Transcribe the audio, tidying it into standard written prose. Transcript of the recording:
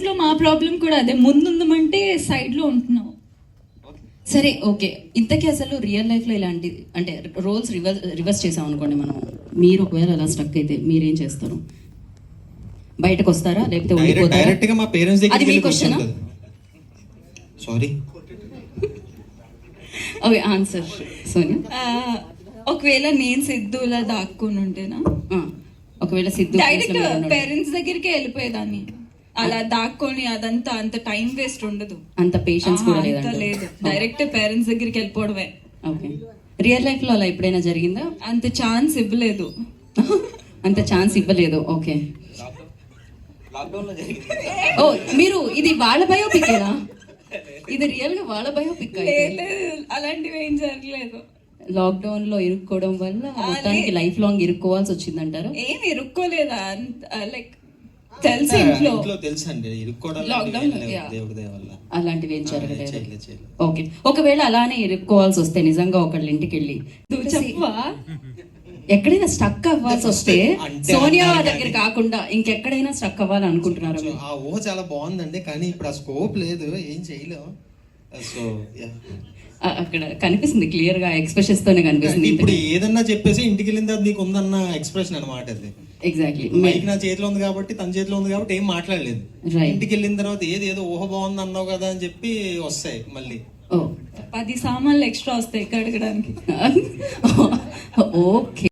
లో మా ప్రాబ్లం కూడా అదే, ముందుందమంటే సైడ్ లో ఉంటున్నావు. సరే ఓకే, ఇంతకీ అసలు రియల్ లైఫ్ లో ఇలాంటి అంటే రోల్స్ రివర్స్ చేసాం అనుకోండి మనం, మీరు ఒకవేళ అలా స్ట్రక్ అయితే మీరేం చేస్తారు? బయటకు వస్తారా లేకపోతే ఉండిపోతారా? డైరెక్ట్ గా మా పేరెంట్స్ అది మీ దగ్గరికి question. Sorry, okay answer Sonia. ఒకవేళ నేను సిద్ధులా దాక్కుని ఉంటేనా, ఒకవేళ సిద్ధు డైరెక్ట్ పేరెంట్స్ దగ్గరికి వెళ్ళిపోయేదాన్ని. అలా దాక్కొని అదంతా అంత టైం వేస్ట్ ఉండదు, అంత పేషెన్స్ కూడా అంత లేదు. డైరెక్ట్ పేరెంట్స్ దగ్గరికి వెళ్ళిపోవడమే. ఓకే, రియల్ లైఫ్ లో అలా ఎప్పుడైనా జరిగిందా? అంత ఛాన్స్ ఇవ్వలేదు. అంత ఛాన్స్ ఇవ్వలేదు. ఓకే, ఓ మీరు ఇది వాళ్ళ బయోపిక్నా? ఇది రియల్ గా వాళ్ళ బయోపిక్? లేదు, అలాంటివి ఏం జరగలేదు. లాక్డౌన్ లో ఇరుక్కోవడం వల్ల మొత్తానికి లైఫ్ లాంగ్ ఇరుక్కోవాల్సి వచ్చిందంటారు? ఏం ఇరుక్కోలేదా, లైక్ తెలుసు ఇంట్లో తెలుసండి, లాక్డౌన్ దేవుడి దయ వల్ల అలాంటివి ఏం జరగలేదు. ఓకే, ఒకవేళ అలానే ఇరుక్కోవాల్సి వస్తే నిజంగా ఒకళ్ళ ఇంటికి వెళ్ళి చెప్పవా, ఎక్కడైనా స్టక్ అవ్వాల్సి వస్తే సోనియా దగ్గర కాకుండా ఇంకెక్కడైనా స్టక్ అవ్వాలి అనుకుంటున్నారు? ఆ ఊహ చాలా బాగుందండి, కానీ ఇప్పుడు ఆ స్కోప్ లేదు, ఏం చేయలేము. సో అక్కడ కనిపిస్తుంది క్లియర్ గా, ఎక్స్ప్రెషన్స్ తోనే కనిపిస్తుంది. ఇప్పుడు ఏదన్నా చెప్పేసి ఇంటికి వెళ్ళిన తర్వాత నీకు ఉందన్న ఎక్స్ప్రెషన్ అనమాట అది. ఎగ్జాక్ట్లీ, మైక్ నా చేతిలో ఉంది కాబట్టి, తన చేతిలో ఉంది కాబట్టి ఏం మాట్లాడలేదు. ఇంటికి వెళ్ళిన తర్వాత ఏదో ఊహ బాగుంది అన్నావు కదా అని చెప్పి వస్తాయి మళ్ళీ. 10 సామాన్లు ఎక్స్ట్రా వస్తాయి కడగడానికి. ఓకే.